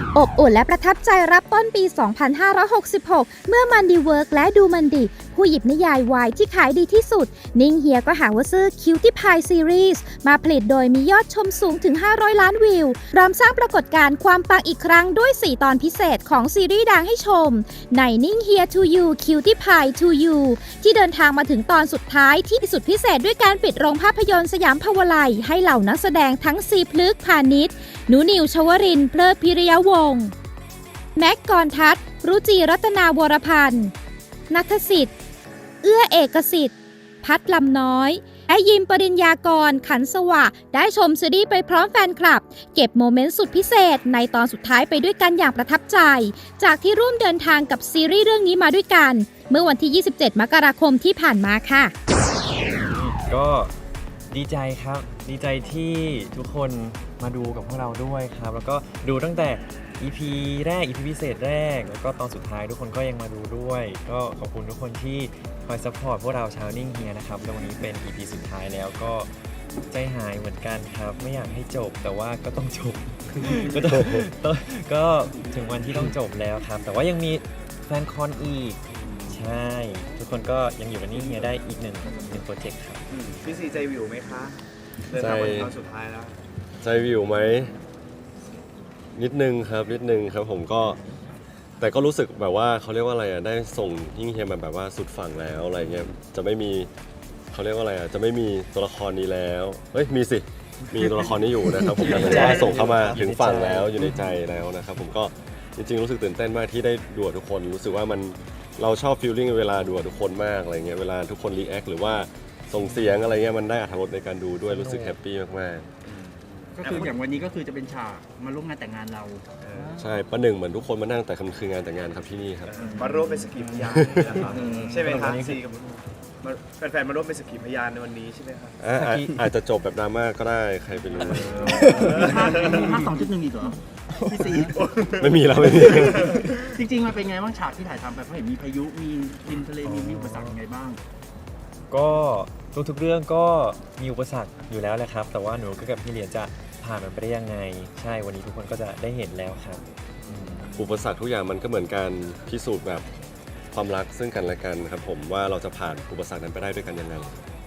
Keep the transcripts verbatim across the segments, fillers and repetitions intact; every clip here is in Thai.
อบอุ่นและประทับใจรับต้นปี สองพันห้าร้อยหกสิบหก เมื่อมันดีเวิร์กและดูมันดีผู้หยิบนิยายวายที่ขายดีที่สุดนิ่งเฮียก็หาว่าซื้อคิวตี้พายซีรีส์มาผลิตโดยมียอดชมสูงถึงห้าร้อยล้านวิวพร้อมสร้างปรากฏการณ์ความปังอีกครั้งด้วย สี่ ตอนพิเศษของซีรีส์ดังให้ชมในนิ่งเฮีย to you คิวตี้พาย to you ที่เดินทางมาถึงตอนสุดท้ายที่สุดพิเศษด้วยการปิดโรงภาพยนตร์สยามภาวไลยให้เหล่านักแสดงทั้งซีพลึกษ์พาณิชย์หนูนิวชวรินทร์เพลิดพิริยวงศ์แม็กกรทัศน์รุจีรัตนาวรพันธ์ณัฐสิทธิ์เอื้อเอกสิทธิ์พัดลำน้อยและยิมปริญญากรขันสวะได้ชมซีรีส์ไปพร้อมแฟนคลับเก็บโมเมนต์สุดพิเศษในตอนสุดท้ายไปด้วยกันอย่างประทับใจจากที่ร่วมเดินทางกับซีรีส์เรื่องนี้มาด้วยกันเมื่อวันที่ ยี่สิบเจ็ด มกราคมที่ผ่านมาค่ะก็ดีใจครับดีใจที่ทุกคนมาดูกับพวกเราด้วยครับแล้วก็ดูตั้งแต่ อี พี แรก อี พี พิเศษแรกแล้วก็ตอนสุดท้ายทุกคนก็ยังมาดูด้วยก็ขอบคุณทุกคนที่คอยซัพพอร์ตพวกเราชาวนิ่งเฮียนะครับแล้ววันนี้เป็น อี พี สุดท้ายแล้วก็ใจหายเหมือนกันครับไม่อยากให้จบแต่ว่าก็ต้องจบ ก็ต้องก็ถึงวันที่ต้องจบแล้วครับแต่ว่ายังมีแฟนคอนอีกใช่ทุกคนก็ยังอยู่กับนิ่งเฮียได้อีกหนึ่งหนึ่งโปรเจกต์ครับพี่ซีใจวิวไหมคะเดินทางมาถึงตอนสุดท้ายแล้วใจวิวไหมนิดนึงครับนิดนึงครับผมก็แต่ก็รู้สึกแบบว่าเขาเรียกว่าอะไรอ่ะได้ส่งยิ่งเฮียมาแบบว่าสุดฝั่งแล้วอะไรเงี้ยจะไม่มีเขาเรียกว่าอะไรอ่ะจะไม่มีตัวละครนี้แล้วเฮ้ยมีสิมีตัวละครนี้อยู่นะครับผมแต่ว่าส่งเข้ามาถึงฝั่งแล้วอยู่ในใจแล้วนะครับผมก็จริงๆรู้สึกตื่นเต้นมากที่ได้ดูทุกคนรู้สึกว่ามันเราชอบฟีลลิ่งเวลาดูทุกคนมากอะไรเงี้ยเวลาทุกคนรีแอคหรือว่าส่งเสียงอะไรเงี้ยมันได้อรรถรสในการดูด้วยรู้สึกแฮปปี้มากๆก็คืออย่างวันนี้ก็คือจะเป็นฉากมาร่วมงานแต่งงานเราใช่ประหนึ่งเหมือนทุกคนมานั่งแต่คืองานแต่งงานครับที่นี่ครับมาร่วมเป็นสกีพยานนะครับใช่ไหมครับซีกับแฟนๆมาร่วมเป็นสกีพยานในวันนี้ใช่ไหมครับอาจจะจบแบบดราม่าก็ได้ใครไปรู้ภาคสองจุดหนึ่งอีกเหรอพี่ซีไม่มีแล้วไม่มีจริงๆมันเป็นไงบ้างฉากที่ถ่ายทำไปเพราะเห็นมีพายุมีดินทะเลมีอุปสรรคยังไงบ้างก็ทุกๆเรื่องก็มีอุปสรรคอยู่แล้วแหละครับแต่ว่าหนูก็กับพี่เหรียญจะผ่านมันไปได้ยังไงใช่วันนี้ทุกคนก็จะได้เห็นแล้วครับอุปสรรคทุกอย่างมันก็เหมือนการพิสูจน์แบบความรักซึ่งกันและกันครับผมว่าเราจะผ่านอุปสรรคนั้นไปได้ด้วยกันยังไง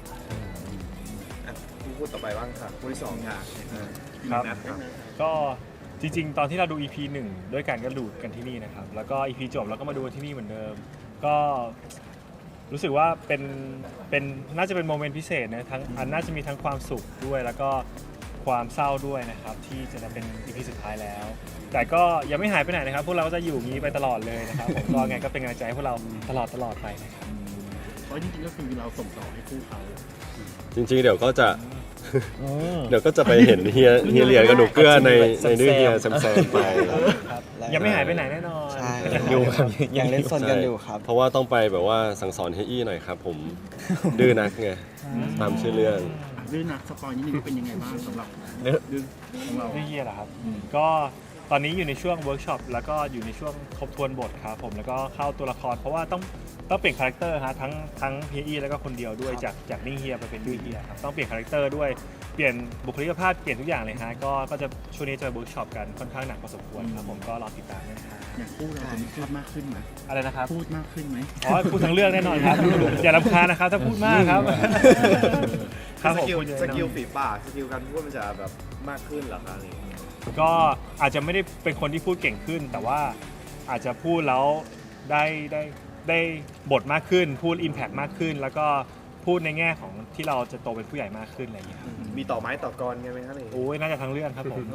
พูดต่อไปบ้างครับพูดที่สองค่ะครับก็จริงๆตอนที่เราดู อี พี หนึ่งด้วยกันก็ดูกันที่นี่นะครับแล้วก็ อี พี จบแล้วก็มาดูที่นี่เหมือนเดิมก็รู้สึกว่าเป็นเป็นน่าจะเป็นโมเมนต์พิเศษนะทั้งอันน่าจะมีทั้งความสุขด้วยแล้วก็ความเศร้าด้วยนะครับที่จะเป็น อี พี สุดท้ายแล้วแต่ก็ยังไม่หายไปไหนนะครับพวกเราก็จะอยู่งี้ไปตลอดเลยนะครับผมก็ไงก็เป็นกำลังใจให้พวกเราตลอดตลอดไปนะครับเพราะจริงๆก็คือเราส่งต่อให้คู่เขาจริงๆเดี๋ยวก็จะเดี๋ยวก็จะไปเห็นเฮียเฮียเหรียญกับหนูเกื้อในในดื้อเฮียแซมๆไปยังไม่หายไปไหนแน่นอนยังอยู่ครับยังเล่นซนกันอยู่ครับเพราะว่าต้องไปแบบว่าสั่งสอนเฮียอี้หน่อยครับผมดื้อนักไงตามชื่อเรื่องดื้อนักสปอยนิดนึงเป็นยังไงบ้างสำหรับดื้อของเราดื้อเฮียเหรอครับก็ตอนนี้อยู่ในช่วงเวิร์กช็อปแล้วก็อยู่ในช่วงทบทวนบทครับผมแล้วก็เข้าตัวละครเพราะว่าต้องต้องเปลี่ยนคาแรคเตอร์ฮะทั้งทั้งเฮียอี้แล้วก็คนเดียวด้วยจากจากนิ่งเฮียไปเป็นดื้อเฮียครับต้องเปลี่ยนคาแรคเตอร์ด้วยเปลี่ยนบุคลิกภาพเปลี่ยนทุกอย่างเลยฮะก็ก็จะช่วงนี้จะเวิร์กช็อปกันค่อนข้างหนักพอสมควรครับผมก็รอติดตามนะครับอย่างคู่เราจะมีพูดมากขึ้นไหมอะไรนะครับพูดมากขึ้นไหมอ๋อพูดทั้งเรื่องแน่นอนครับอย่ารำคาญนะครับถ้าพูดมากครับสกิลสกิลฝีปากสกิลการพูดมันจะแบบมากขึ้นเหรอคะก็อาจจะไม่ได้เป็นคนที่พูดเก่งขึ้นแต่ว่าอาจจะพูดแล้วได้ได้ได้บทมากขึ้นพูด impact มากขึ้นแล้วก็พูดในแง่ของที่เราจะโตเป็นผู้ใหญ่มากขึ้นอะไรอย่างเงี้ยมีต่อไม้ต่อกรกันไหมครับโอ้ยน่าจะทั้งเรื่องครับผม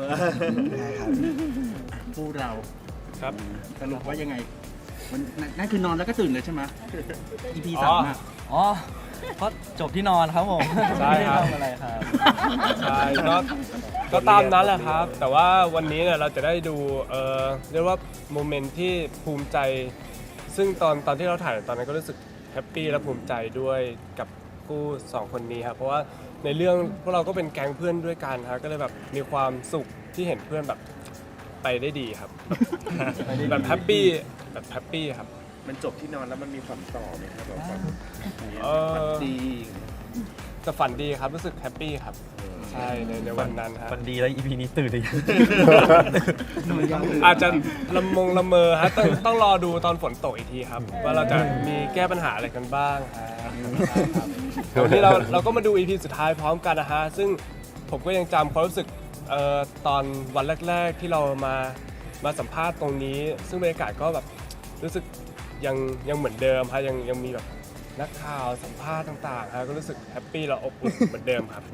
พูดเราครับสรุปว่ายังไงมันนั่นคือนอนแล้วก็ตื่นเลยใช่ไหม อี พี สามอ่ะอ๋อเพราะจบที่นอนครับผมใช่ครับอะไรครับใช่ก็ก็ตามนั้นแหละครับแต่ว่าวันนี้เนี่ยเราจะได้ดูเอ่อเรียกว่าโมเมนต์ที่ภูมิใจซึ่งตอนตอนที่เราถ่ายตอนนั้นก็รู้สึกแฮปปี้และภูมิใจด้วยกับคู่สองคนนี้ครับเพราะว่าในเรื่องพวกเราก็เป็นแก๊งเพื่อนด้วยกันครับก็เลยแบบมีความสุขที่เห็นเพื่อนแบบไปได้ดีครับแบบแฮปปี้แบบแฮปปี้ครับมันจบที่นอนแล้วมันมีฝันต่อไหมครับแบบเออดีแต่ฝันดีครับรู้สึกแฮปปี้ครับใช่ในในวันนั้นครับวันดีแล้ว อี พี นี้ตื่นเลยอาจจะละมงละเมอฮะต้องต้องรอดูตอนฝนตกอีกทีครับ ว่าเราจะมีแก้ปัญหาอะไรกันบ้างครับวันนี้เราเราก็มาดู อี พี สุดท้ายพร้อมกันนะฮะซึ่งผมก็ยังจำความรู้สึกเอ่อตอนวันแรก ๆ ที่เรามามาสัมภาษณ์ตรงนี้ ซึ่งบรรยากาศก็แบบรู้สึกยังยังเหมือนเดิมฮะยังยังมีแบบนักข่าวสัมภาษณ์ต่างๆฮะก็รู้สึกแฮปปี้และอบอุ่นเหมือนเดิมครับ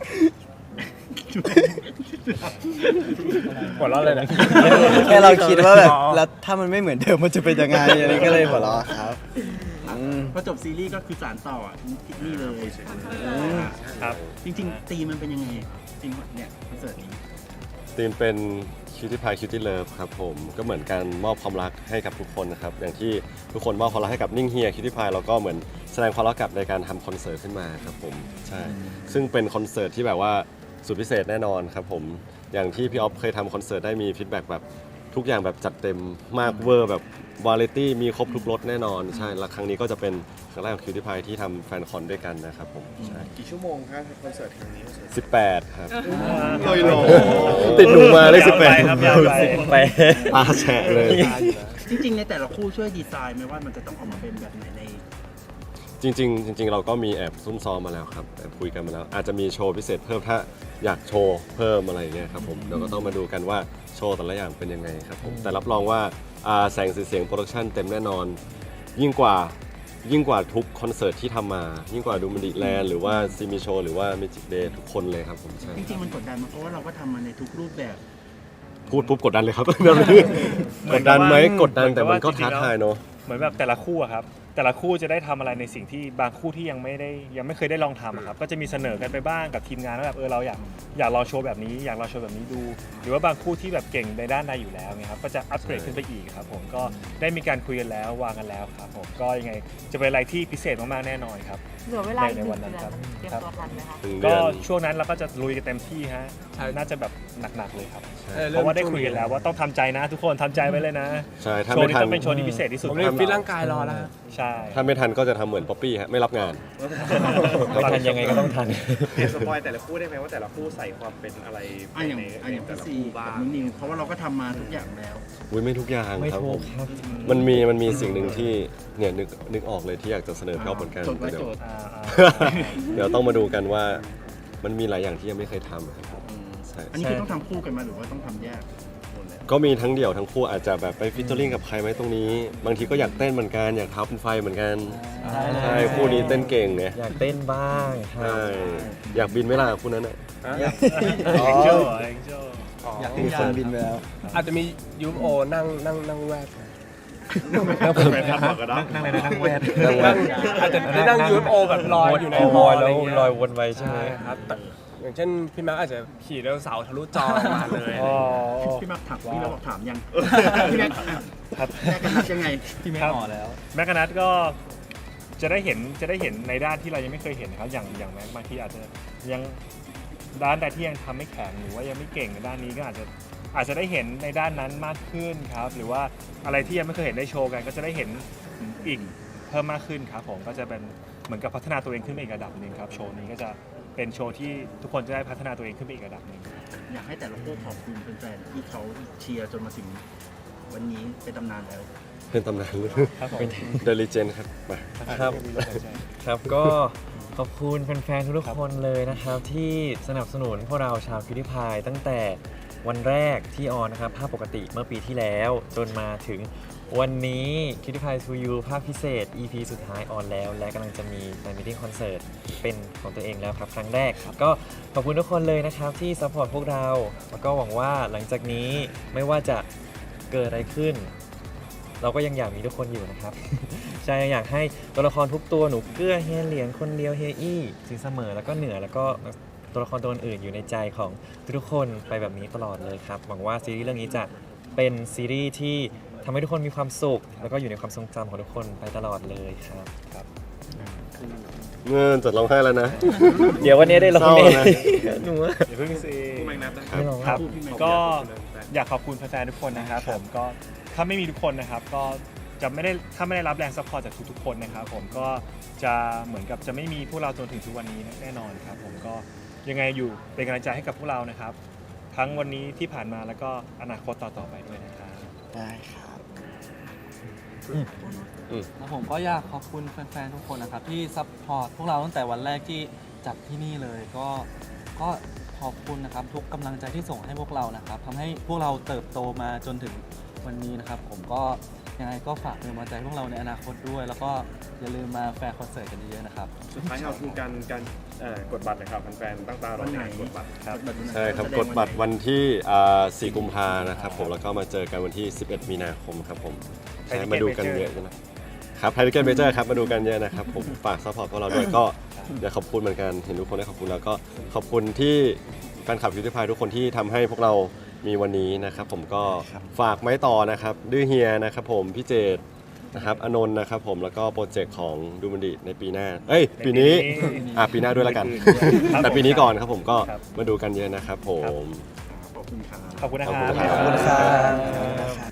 หัวเราะเลยนะแค่เราคิดว่าแบบแล้วถ้ามันไม่เหมือนเดิมมันจะเป็นยังไงอะไรก็เลยหัวเราะครับอืมพอจบซีรีส์ก็คือสารต่ออ่ะนี่เลยครับจริงๆตีมมันเป็นยังไงจริงเนี่ยคอนเสิร์ตนี้ธีมเป็นคิวตี้พายคิวตี้เลิฟครับผมก็เหมือนการมอบความรักให้กับทุกคนนะครับอย่างที่ทุกคนมอบความรักให้กับนิ่งเฮียคิวตี้พายแล้วก็เหมือนแสดงความรักกลับในการทำคอนเสิร์ตขึ้นมาครับผมใช่ซึ่งเป็นคอนเสิร์ตที่แบบว่าสุดพิเศษแน่นอนครับผมอย่างที่พี่ออฟเคยทำคอนเสิร์ตได้มีฟีดแบ็กแบบทุกอย่างแบบจัดเต็มมากเวอร์แบบวาไรตี้มีครบทุกรสแน่นอนใช่แล้วครั้งนี้ก็จะเป็นครั้งแรกของคิวตี้พายที่ทำแฟนคอนด้วยกันนะครับผมใช่กี่ชั่วโมงครับคอนเสิร์ตครั้งนี้สิบแปดครับลอยโลติดหนูมาเลยสิบแปดครับยาวไปไปตาแฉะเลยจริงๆในแต่ละคู่ช่วยดีไซน์ไหมว่ามันจะต้องออกมาเป็นแบบไหนในจริงๆจริงๆเราก็มีแอบซุ่มซ้อมมาแล้วครับแอบคุยกันมาแล้ว อาจจะมีโชว์พิเศษเพิ่มถ้าอยากโชว์เพิ่มอะไรอย่างเงี้ยครับผมเดี๋ยวก็ต้องมาดูกันว่าโชว์แต่ละอย่างเป็นยังไงครับผมแต่รับรองว่าอ่าแสงสีเสียงโปรดักชันเต็มแน่นอน ยิ่งกว่ายิ่งกว่าทุกคอนเสิร์ตที่ทำมา ยิ่งกว่าดูมันดีแลนด์หรือว่าซีมีโชว์หรือว่าเมจิกเดย์ทุกคนเลยครับผมใช่จริงๆมันกดดันมากเพราะว่าเราก็ทำมาในทุกรูปแบบพูดปุ๊บกดดันเลยครับ กดดันไหมกดดันแต่มันก็ท้าทายเนาะเหมือนแบบแต่ละคู่อะครับแต่ละคู่จะได้ทำอะไรในสิ่งที่บางคู่ที่ยังไม่ได้ยังไม่เคยได้ลองทำอะครับก็จะมีเสนอกันไปบ้างกับทีมงานว่าแบบเออเราอยากอยากลองโชว์แบบนี้อยากลองโชว์แบบนี้ดู หรือว่าบางคู่ที่แบบเก่งในด้านใดอยู่แล้วเนี่ยครับก็จะอัปเกรดขึ้นไปอีกครับผมก็ได้มีการคุยกันแล้ววางกันแล้วครับผมก็ยังไงจะเป็นอะไรที่พิเศษมากๆแน่นอนครับเหลือเวลาอีกหในนึ่งวันเดืนั้นอนครับเตรียมตัวทันไหมคะหนึ่งเดืก็อนช่วงนั้นเราก็จะลุยกันเต็มที่ฮะใช่น่าจะแบบหนักๆเลยครับใช่เพราะว่าได้คุยกันแล้วว่าต้องทำใจนะทุกคนทำใจไว้เลยนะใช่ถ้าโชว์ไม่นี้ทันต้องเป็นโชว์ที่พิเศษที่สุดผมเลยฟิตร่างกายรอแล้วฮะใช่ถ้าไม่ทันก็จะทำเหมือนป๊อปปี้ฮะไม่รับงานไม่ทันยังไงก็ต้องทันเห็นสปอยแต่ละคู่ได้ไหมว่าแต่ละคู่ใส่ความเป็นอะไรอ่ะอย่างในอ่ะอย่างแต่พี่ละซีคู่กับ้าบงนิวเพราะว่าเราก็ทำมาทุกอย่างแล้วอุ้ยไม่ทุกอย่างไม่ครับถูผกมครับมันมีมันมีสิ่งหนึ่งที่เนี่ยนึกนึกออกเลยที่อยากจะเสนอพี่ออฟเหมือนกันจดไว้เดี๋ยวจดอ่าเดี๋ยวต้องมาดูกันว่ามันมีหลายอย่างที่ยังไม่เคยทำครับใช่อันนี้คือต้องทำคู่กันมาหรือว่าต้องทำแยกหมดแล้วก็มีทั้งเดี่ยวทั้งคู่อาจจะแบบไปฟิชเจอริ่งกับใครไหมตรงนี้ บางทีก็อยากเต้นเหมือนกันอยากเท้าเป็นไฟเหมือนกันใช่คู่นี้เต้นเก่งเนี่ยอยากเต้นบ้างครัใช่บอยากบินไหม่ล่ะคู่นั้นอ่ะเอ็กโจเอ็กโจอยากมีคนบินไปแล้วอาจจะมียูโอนั่งนั่งนั่งแวดแฟนคลับบอกกันเนาะนั่งเลยนะนั่งแวดนั่งอาจจะได้นั่งยูโอแบบลอยอยู่ในโอ้ฮอลยอะไรแล้วเงี้ยลอยวนไปใช่ไหมใช่ครับแต่อย่างเช่นพี่แม็กอาจจะขี่ไดโนเสาร์ทะลุจอมาเลยอ๋อพี่แม็กถามพี่แม็กบอกถามยังพี่แม็กครับแยกกันนับยังไงพี่แม่หมอแล้วแม็กกานัทก็จะได้เห็นจะได้เห็นในด้านที่เรายังไม่เคยเห็นนะครับอย่างอย่างแม็กบางทีอาจจะยังด้านใดที่ยังทำไม่แข็งหรือว่ายังไม่เก่งในด้านนี้ก็อาจจะอาจจะได้เห็นในด้านนั้นมากขึ้นครับหรือว่าอะไรที่ยังไม่เคยเห็นได้โชว์กันก็จะได้เห็นอีกเพิ่มมากขึ้นครับผมก็จะเป็นเหมือนกับพัฒนาตัวเองขึ้นไปอีกระดับหนึ่งครับโชว์นี้ก็จะเป็นโชว์ที่ทุกคนจะได้พัฒนาตัวเองขึ้นไปอีกระดับหนึ่งอยากให้แต่ละคู่ขอบคุณแฟนๆที่เขาเชียร์จนมาถึงวันนี้เป็นตำนานแล้วเป็นตำนานเลยครับผมเดลิเจนครับมาครับ ครับก็ขอบคุณแฟนๆทุกๆคนเลยนะครับ ที่สนับสนุนพวกเราชาวคิวตี้พายตั้งแต่วันแรกที่ออนนะครับภาพปกติเมื่อปีที่แล้วจนมาถึงวันนี้คิวตี้พายทูยูภาพพิเศษ อี พี สุดท้ายออนแล้ว และกำลังจะมีแฟนมิทติ้งคอนเสิร์ตเป็นของตัวเองแล้วครับครั้งแรกครับก็ขอบคุณทุกคนเลยนะครับที่ซัพพอร์ตพวกเราแล้วก็หวังว่าหลังจากนี้ไม่ว่าจะเกิดอะไรขึ้น เราก็ยังอยากมีทุกคนอยู่นะครับ ใช่อยากให้ตัวละครทุกตัวหนูเกื้อเฮียเหรียญคนเดียวเฮียอี้สินเสมอแล้วก็เหนือแล้วก็ตัวละครตัวอื่นอยู่ในใจของทุกคนไปแบบนี้ตลอดเลยครับหวังว่าซีรีส์เรื่องนี้จะเป็นซีรีส์ที่ทำให้ทุกคนมีความสุข แล้วก็อยู่ในความทรงจำของทุกคนไปตลอดเลยครับครับเงินจดร้องไห้แล้วนะเดี๋ยววันนี้ได้ร้องเศร้าเองนะหนูอย่าเพิ่งซีคู่แมงนับนะไม่ร้องครับพี่แม็กก็อยากขอบคุณแฟนๆทุกคนนะครับผมก็ถ้าไม่มีทุกคนนะครับก็จะไม่ได้ถ้าไม่ได้รับแรงซัพพอร์ตจากทุกๆคนนะครับผมก็จะเหมือนกับจะไม่มีพวกเราจนถึงทุกวันนี้แน่นอนครับผมก็ยังไงอยู่เป็นกำลังใจให้กับพวกเรานะครับทั้งวันนี้ที่ผ่านมาแล้วก็อนาคตต่อๆไปด้วยนะครับได้ครับแล้วผมก็อยากขอบคุณแฟนๆ ทุกคนนะครับที่ซัพพอร์ตพวกเราตั้งแต่วันแรกที่จัดที่นี่เลยก็ก็ขอบคุณนะครับทุกกำลังใจที่ส่งให้พวกเรานะครับทำให้พวกเราเติบโตมาจนถึงวันนี้นะครับผมก็ยังไงก็ฝากเป็นกำลังใจให้พวกเราในอนาคตด้วย แล้วก็อย่าลืมมาแฟร์คอนเสิร์ตกันเยอะๆนะครับสุดท้ายเอาคือการการเอ่อกดบัตรเลยครับแฟนๆตั้งตารอในการกดบัตรครับใช่ครับกดบัตรวันที่อ่าสี่กุมภานะครับผมแล้วก็มาเจอกันวันที่สิบเอ็ดมีนาคมครับผมใช่มาดูกันเยอะนะครับไทยทิเก็ตเมเจอร์ครับมาดูกันเยอะนะครับผมฝากซัพพอร์ตพวกเราด้วยก็อยากขอบคุณเหมือนกันเห็นทุกคนได้ขอบคุณแล้วก็ขอบคุณที่แฟนคลับคิวตี้พายทุกคนที่ทำให้พวกเรามีวันนี้นะครับผมก็ฝากไม้ต่อนะครับดื้อเฮียนะครับผมพี่เจตนะครับอนนท์นะครับผมแล้วก็โปรเจกต์ของดูมันดิในปีหน้าเอ้ยปีนี้อ่ะปีหน้าด้วยแล้วกัน แต่ปีนี้ก่อนครับผมก็มาดูกันเยอะนะครับผมขอบคุณนะคขอบรัคุณครับขอบคุณครับ